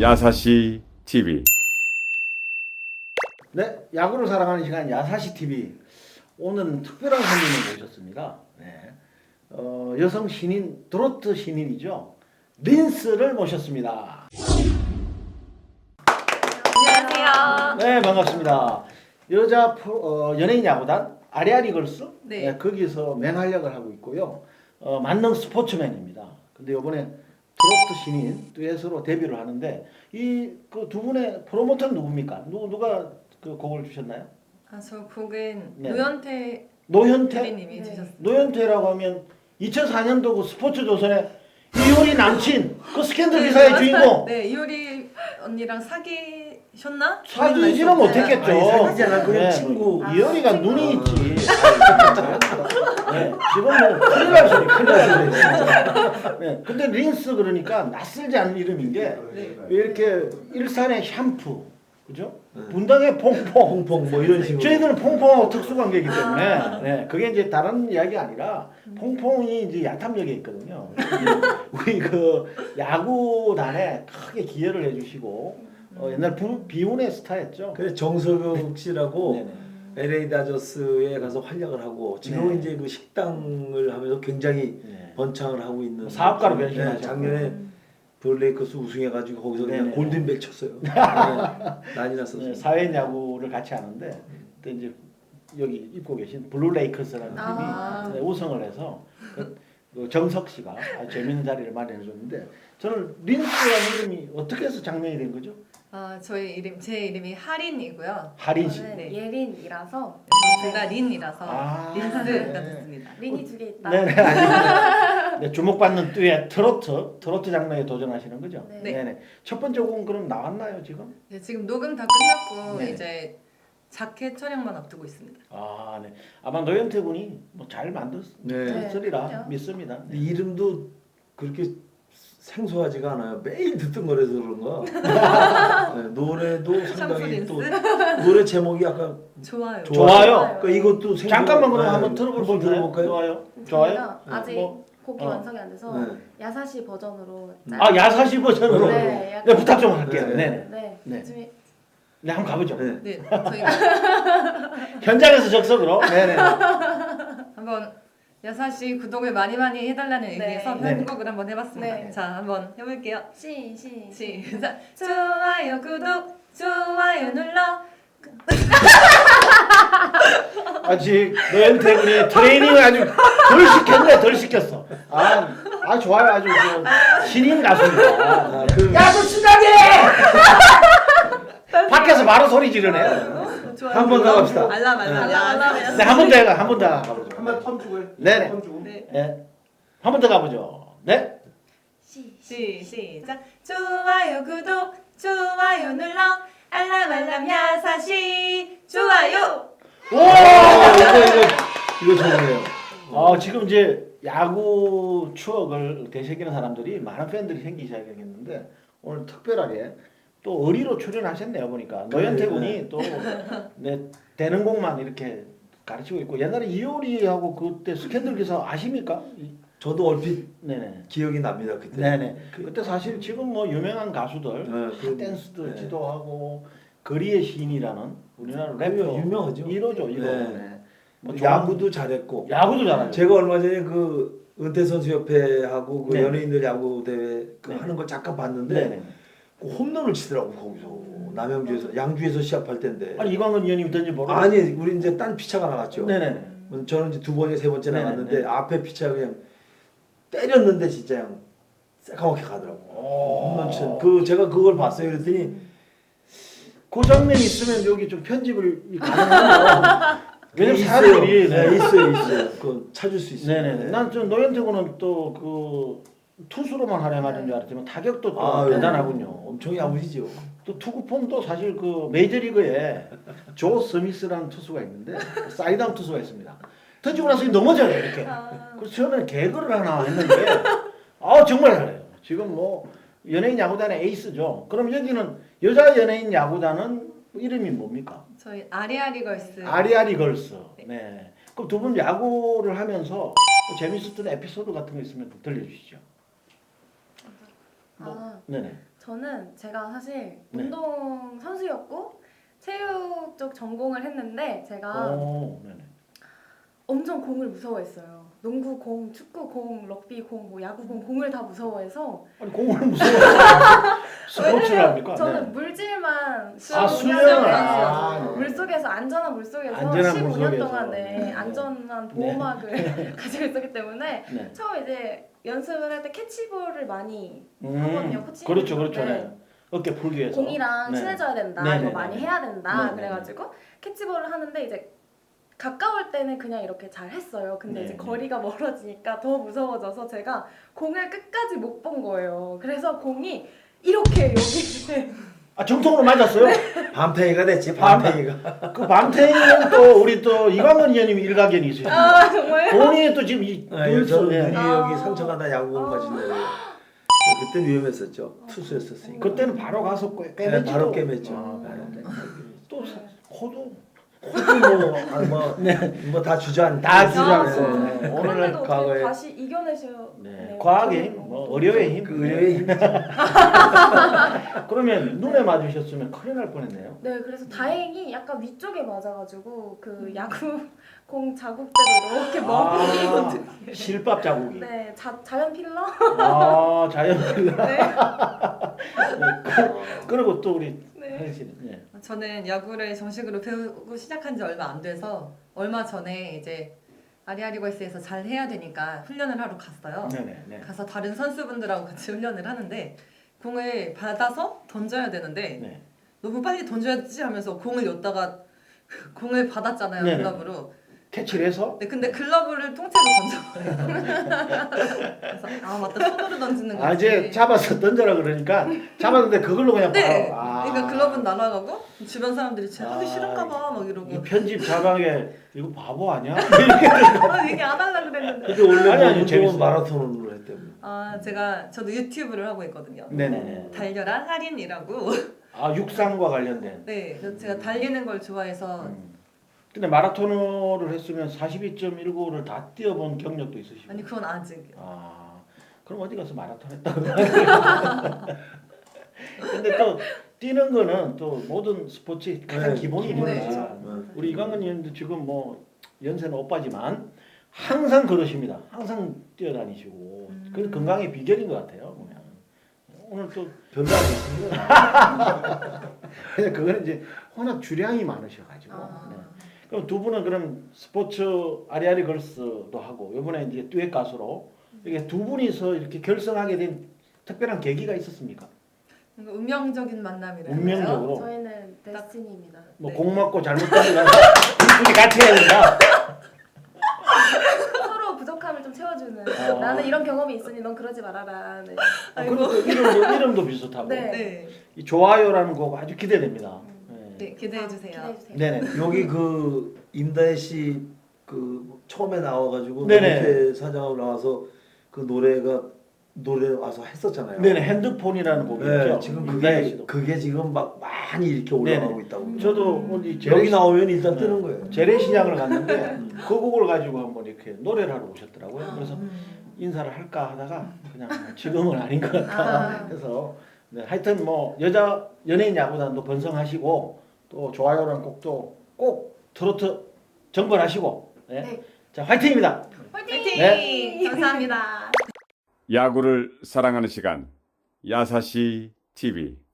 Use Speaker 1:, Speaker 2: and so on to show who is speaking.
Speaker 1: 야사시 TV.
Speaker 2: 네, 야구를 사랑하는 시간 야사시 TV. 오늘은 특별한 손님을 모셨습니다. 네, 여성 신인, 트로트 신인이죠. 린스를 모셨습니다.
Speaker 3: 안녕하세요.
Speaker 2: 네, 반갑습니다. 여자 연예인 야구단 아리아리걸스,
Speaker 3: 네.
Speaker 2: 거기서 맨활약을 하고 있고요. 만능 스포츠맨입니다. 근데 이번에 트로트 신인 듀엣으로 데뷔를 하는데 이 그 두 분의 프로모터는 누굽니까? 누가 그 곡을 주셨나요?
Speaker 3: 저 곡은
Speaker 2: 네.
Speaker 3: 노현태
Speaker 2: 노현태?
Speaker 3: 대리님이 주셨습니다.
Speaker 2: 노현태라고 하면 2004년도 그 스포츠 조선의 이효리 남친 그 스캔들 기사의
Speaker 3: 맞아요.
Speaker 2: 주인공.
Speaker 3: 네, 이효리 언니랑 사귀셨나?
Speaker 2: 사귀지는 못했겠죠.
Speaker 4: 아니, 사귀지 않아. 그냥 친구.
Speaker 2: 이효리가 눈이 있지. 네, 지금 뭐 큰일 날 소리, 큰일 날 소리. 네, 근데 린스 그러니까 낯설지 않은 이름인 게
Speaker 3: 네.
Speaker 2: 이렇게 일산의 샴푸, 그죠? 분당의 퐁퐁.
Speaker 4: 퐁퐁 뭐 이런 식으로.
Speaker 2: 저희들은 퐁퐁하고 특수관계이기 때문에 네, 그게 이제 다른 이야기 아니라 퐁퐁이 이제 야탐역에 있거든요. 우리 그 야구단에 크게 기여를 해주시고 옛날 비운의 스타였죠.
Speaker 4: 그래 정석욱 씨라고
Speaker 2: 네네.
Speaker 4: LA 다저스에 가서 활약을 하고 지금은
Speaker 2: 네.
Speaker 4: 이제 그 식당을 하면서 굉장히
Speaker 2: 네.
Speaker 4: 번창을 하고 있는
Speaker 2: 사업가로
Speaker 4: 네,
Speaker 2: 변신하셨고.
Speaker 4: 작년에 블레이커스 우승해가지고 거기서 그냥
Speaker 2: 네네.
Speaker 4: 골든벨 쳤어요. 네, 난리 났었어요.
Speaker 2: 네, 사회인 야구를 같이 하는데 그때 이제 여기 입고 계신 블루레이커스라는 팀이 네, 우승을 해서 그 정석 씨가 아주 재밌는 자리를 마련해 줬는데 저는 린스라는 이름이 어떻게 해서 장면이 된 거죠?
Speaker 3: 제 이름이 하린이고요.
Speaker 2: 하린 씨.
Speaker 3: 네.
Speaker 5: 예린이라서
Speaker 3: 둘 다 린이라서
Speaker 2: 아,
Speaker 3: 린스가
Speaker 2: 네.
Speaker 3: 됐습니다.
Speaker 5: 린이 두 개 있다.
Speaker 2: 네네. 아닙니다. 네, 주목받는 듀엣 트로트 장르에 도전하시는 거죠?
Speaker 5: 네.
Speaker 2: 네네. 첫 번째 곡은 그럼 나왔나요 지금?
Speaker 3: 네, 지금 녹음 다 끝났고
Speaker 2: 네.
Speaker 3: 이제 자켓 촬영만 앞두고 있습니다.
Speaker 2: 아, 네. 아마 노현태 군이 뭐 잘 만들었으리라
Speaker 5: 네.
Speaker 2: 믿습니다.
Speaker 4: 근데 이름도 그렇게 생소하지가 않아요. 매일 듣던 거라서 그런가. 네, 노래도 상당히 또 노래 제목이 약간
Speaker 3: 좋아요.
Speaker 2: 좋아요.
Speaker 4: 그러니까 이것도 생소.
Speaker 2: 잠깐만 그럼
Speaker 4: 네,
Speaker 2: 한번 들어볼 수
Speaker 4: 한번
Speaker 2: 있나요?
Speaker 4: 들어볼까요?
Speaker 2: 좋아요.
Speaker 5: 저희가
Speaker 2: 좋아요?
Speaker 5: 아직
Speaker 2: 뭐,
Speaker 5: 곡이
Speaker 2: 어.
Speaker 5: 완성이 안 돼서
Speaker 4: 네.
Speaker 5: 야사시 버전으로
Speaker 2: 아 야사시 버전으로.
Speaker 5: 네,
Speaker 2: 네,
Speaker 5: 약간-
Speaker 2: 부탁 좀 할게요.
Speaker 4: 네.
Speaker 2: 네. 네.
Speaker 5: 네,
Speaker 2: 네.
Speaker 5: 요즘에
Speaker 2: 네, 한번 가보죠.
Speaker 4: 네.
Speaker 3: 네, 저희가
Speaker 2: 현장에서 적석으로. 네네.
Speaker 3: 한번 야사시 구독을 많이 해달라는
Speaker 5: 네.
Speaker 3: 의미에서
Speaker 2: 네.
Speaker 3: 편곡을 한번 해봤습니다.
Speaker 5: 네.
Speaker 3: 자, 한번 해볼게요.
Speaker 5: 시작.
Speaker 3: 좋아요 구독 좋아요 눌러.
Speaker 2: 아직 노현태 군이 트레이닝을 아주 덜 시켰네, 덜 시켰어. 아 좋아요, 아주 그 신인 가수입니다. 야구 신나게! 밖에서 바로 소리 지르네.
Speaker 4: 한 번 더 갑시다.
Speaker 3: 알람.
Speaker 2: 네, 한 번 더 해가, 한 번 더 가보죠.
Speaker 6: 한번 텀 주고 해.
Speaker 2: 네네.
Speaker 6: 텀 주고.
Speaker 3: 네.
Speaker 2: 네, 한 번 더 가보죠. 네.
Speaker 3: 시작. 좋아요 구독 좋아요 눌러 알람 야사시 좋아요.
Speaker 2: 오!
Speaker 4: 이거 좋네요.
Speaker 2: 지금 이제 야구 추억을 되새기는 사람들이 많은 팬들이 생기기 시작했는데 오늘 특별하게 또 의리로 출연하셨네요 보니까 노현태 군이 또 네, 되는 곡만 이렇게 가르치고 있고 옛날에 이효리하고 그때 스캔들 기사 아십니까?
Speaker 4: 저도 얼핏
Speaker 2: 네네.
Speaker 4: 기억이 납니다 그때.
Speaker 2: 네네. 그때 사실 지금 뭐 유명한 가수들
Speaker 4: 네,
Speaker 2: 댄스도
Speaker 4: 네.
Speaker 2: 지도하고 거리의 신이라는 우리나라 래퍼
Speaker 4: 유명하죠.
Speaker 2: 1호죠 1호.
Speaker 4: 네.
Speaker 2: 네. 뭐
Speaker 4: 야구도 잘했고.
Speaker 2: 야구도 잘하죠.
Speaker 4: 제가 얼마 전에 그 은퇴 선수 협회하고 그
Speaker 2: 네.
Speaker 4: 연예인들 야구 대회 그
Speaker 2: 네.
Speaker 4: 하는 걸 잠깐 봤는데
Speaker 2: 네네.
Speaker 4: 그 홈런을 치더라고 거기서 남양주에서 양주에서 시합할 때인데.
Speaker 2: 아니 이광근 의원님이 던진 볼을
Speaker 4: 아니 우리 이제 딴 피차가 나갔죠.
Speaker 2: 네네.
Speaker 4: 저는 이제 두 번에 세 번째
Speaker 2: 네네,
Speaker 4: 나갔는데
Speaker 2: 네.
Speaker 4: 앞에 피차가 그냥 때렸는데 진짜 그냥 새까맣게 가더라고. 홈런 친. 그 제가 그걸 봤어요. 그랬더니
Speaker 2: 그 장면 있으면 여기 좀 편집을 가능하면 왜냐면
Speaker 4: 있어요.
Speaker 2: 사람들이
Speaker 4: 네, 있어요. 그 찾을 수 있어요.
Speaker 2: 네네. 난좀 노현태 군은 또 그 투수로만 활약하는 줄 알았지만 타격도 또
Speaker 4: 아,
Speaker 2: 대단하군요.
Speaker 4: 엄청 야무지죠.
Speaker 2: 또 투구폼도 사실 그 메이저리그에 조 스미스라는 투수가 있는데 사이드아웃 투수가 있습니다. 던지고 나서 넘어져요 이렇게. 그래서 처음에 개그를 하나 했는데 정말 잘해요. 지금 뭐 연예인 야구단의 에이스죠. 그럼 여기는 여자 연예인 야구단은 이름이 뭡니까?
Speaker 3: 저희 아리아리걸스.
Speaker 2: 아리아리걸스. 네. 그럼 두 분 야구를 하면서 또 재밌었던 에피소드 같은 거 있으면 좀 들려주시죠.
Speaker 5: 아,
Speaker 2: 네네.
Speaker 5: 저는 제가 사실
Speaker 2: 네.
Speaker 5: 운동 선수였고 체육 쪽 전공을 했는데 제가
Speaker 2: 네네.
Speaker 5: 엄청 공을 무서워했어요. 농구 공, 축구 공, 럭비 공, 뭐 야구 공, 공을 다 무서워해서
Speaker 2: 아니 공을 무서워. 스포츠를 합니까?
Speaker 5: 저는
Speaker 2: 네.
Speaker 5: 물질만
Speaker 2: 수영을.
Speaker 5: 했어요.
Speaker 2: 네.
Speaker 5: 물속에서 안전한 물속에서
Speaker 2: 안전한
Speaker 5: 15년
Speaker 2: 물속에서.
Speaker 5: 동안
Speaker 2: 네.
Speaker 5: 안전한 보호막을 가지고 있었기 때문에
Speaker 2: 네.
Speaker 5: 처음 이제 연습을 할 때 캐치볼을 많이 하거든요. 코치님.
Speaker 2: 그렇죠, 그렇죠.
Speaker 5: 네.
Speaker 2: 네. 어깨 풀기 위해서.
Speaker 5: 공이랑
Speaker 2: 네.
Speaker 5: 친해져야 된다.
Speaker 2: 네,
Speaker 5: 이거
Speaker 2: 네,
Speaker 5: 많이
Speaker 2: 네.
Speaker 5: 해야 된다.
Speaker 2: 네, 네,
Speaker 5: 그래가지고 캐치볼을 하는데 이제 가까울 때는 그냥 이렇게 잘 했어요. 근데
Speaker 2: 네,
Speaker 5: 이제
Speaker 2: 네.
Speaker 5: 거리가 멀어지니까 더 무서워져서 제가 공을 끝까지 못 본 거예요. 그래서 공이 이렇게 여기
Speaker 2: 아 정통으로 맞았어요?
Speaker 4: 밤탱이가 됐지 밤탱이가.
Speaker 2: 그 밤탱이는 또 우리 또 이광건 의원님이 일가견이 있으시죠.
Speaker 5: 아 정말요?
Speaker 2: 본인이 또 지금 이
Speaker 4: 네, 저는 눈이
Speaker 2: 예.
Speaker 4: 여기 상처가 나 야구공 맞은데 그때 위험했었죠. 투수였었으니까.
Speaker 2: 그때는 바로 가서 꿰맸죠.
Speaker 4: 네, 바로 깨맸죠.
Speaker 2: 아,
Speaker 4: 네.
Speaker 2: 또 코도
Speaker 4: 뭐다 주저앉.
Speaker 2: 다 주저앉고.
Speaker 5: 아,
Speaker 2: 네.
Speaker 5: 오늘
Speaker 2: 오늘
Speaker 5: 어떻게
Speaker 4: 과거에-
Speaker 5: 다시 이겨내셔.
Speaker 2: 네. 과학의 힘, 뭐 의료의 힘.
Speaker 4: 그 의료의 힘.
Speaker 2: 그러면 눈에 맞으셨으면 큰일 날 뻔했네요.
Speaker 5: 네, 그래서 다행히 약간 위쪽에 맞아가지고 그 야구 공 자국대로 이렇게 먹이
Speaker 2: 실밥 자국이.
Speaker 5: 네, 자연 필러?
Speaker 2: 아 자연필라.
Speaker 5: 네.
Speaker 2: 그리고 또 우리
Speaker 5: 네.
Speaker 2: 혜린 씨는. 예.
Speaker 3: 저는 야구를 정식으로 배우고 시작한 지 얼마 안 돼서 얼마 전에 이제 아리아리걸스에서 잘 해야 되니까 훈련을 하러 갔어요.
Speaker 2: 네네. 네.
Speaker 3: 가서 다른 선수분들하고 같이 훈련을 하는데 공을 받아서 던져야 되는데
Speaker 2: 네.
Speaker 3: 너무 빨리 던져야지 하면서 공을 였다가 공을 받았잖아요.
Speaker 2: 네네.
Speaker 3: 글러브로.
Speaker 2: 캐치를 해서.
Speaker 3: 네, 근데 글러브를 통째로 던져버려요. 그래서 아 맞다 손으로 던지는 거지.
Speaker 2: 아 이제 잡아서 던져라 그러니까 잡았는데 그걸로 그냥
Speaker 3: 네.
Speaker 2: 바로. 아.
Speaker 3: 그러니까 글러브는 날아가고 주변 사람들이 쟤 하기
Speaker 2: 아,
Speaker 3: 싫은가 봐 막 이러고.
Speaker 2: 이 편집 자막에 이거 바보 아니야? 이렇게.
Speaker 3: 아, 얘기 안 하려고 그랬는데.
Speaker 4: 근데 원래
Speaker 2: 아니, 아니,
Speaker 4: 운동은
Speaker 2: 재밌어요.
Speaker 4: 마라톤으로 했대요.
Speaker 3: 아 제가 저도 유튜브를 하고 있거든요.
Speaker 2: 네네네.
Speaker 3: 달려라 할인이라고.
Speaker 2: 아 육상과 관련된.
Speaker 3: 네, 그래서 제가 달리는 걸 좋아해서
Speaker 2: 근데 마라토너를 했으면 42.19를 다 뛰어본 경력도 있으시고.
Speaker 3: 아니 그건 아직.
Speaker 2: 아 그럼 어디 가서 마라톤 했다고. 근데 또 뛰는 거는 또 모든 스포츠의 가장
Speaker 4: 네,
Speaker 2: 기본이니까.
Speaker 3: 기본이죠.
Speaker 2: 우리 이광근 의원도 지금 뭐 연세는 오빠지만 항상 걸으십니다. 항상 뛰어다니시고. 그래서 건강의 비결인 것 같아요. 보면. 오늘 또
Speaker 4: 별로 안 했습니다.
Speaker 2: 그냥 그거는 이제 워낙 주량이 많으셔가지고. 네. 그럼 두 분은 그럼 스포츠 아리아리 걸스도 하고 이번에 이제 듀엣 가수로 이게 두 분이서 이렇게 결성하게 된 특별한 계기가 있었습니까?
Speaker 3: 뭔가 운명적인 만남이라요.
Speaker 2: 운명적으로.
Speaker 5: 저희는 데스티니입니다.
Speaker 2: 뭐
Speaker 3: 네.
Speaker 2: 공 맞고 잘못하면 둘이 같이 해야 된다.
Speaker 5: 서로 부족함을 좀 채워주는.
Speaker 2: 아.
Speaker 5: 나는 이런 경험이 있으니 넌 그러지 말아라. 네.
Speaker 2: 그리고 또 이름도 비슷하고.
Speaker 5: 네.
Speaker 3: 네,
Speaker 2: 이 좋아요라는 곡 아주 기대됩니다.
Speaker 3: 네 기대해 주세요.
Speaker 5: 기대해 주세요.
Speaker 2: 네네.
Speaker 4: 여기 그 임다혜 씨그 처음에 나와가지고
Speaker 2: 네네.
Speaker 4: 노래 사장하고 나와서 그 노래 와서 했었잖아요.
Speaker 2: 네네 핸드폰이라는 곡이죠.
Speaker 4: 네, 지금
Speaker 2: 임다혜 씨도.
Speaker 4: 그게 지금 막 많이 이렇게 올라가고
Speaker 2: 네네.
Speaker 4: 있다고.
Speaker 2: 저도 어디
Speaker 4: 여기 나오면 일단 뜨는 거예요.
Speaker 2: 재래시장을 갔는데 그 곡을 가지고 한번 이렇게 노래를 하러 오셨더라고요. 그래서
Speaker 3: 음.
Speaker 2: 인사를 할까 하다가 그냥 지금은 아닌 것 같다
Speaker 5: 아.
Speaker 2: 해서 네, 하여튼 뭐 여자 연예인 야구단도 번성하시고 또 좋아요라는 곡도 꼭 트로트 정벌하시고 네.
Speaker 5: 네.
Speaker 2: 자 화이팅입니다.
Speaker 5: 화이팅!
Speaker 2: 네.
Speaker 3: 감사합니다.
Speaker 1: 야구를 사랑하는 시간 야사시 TV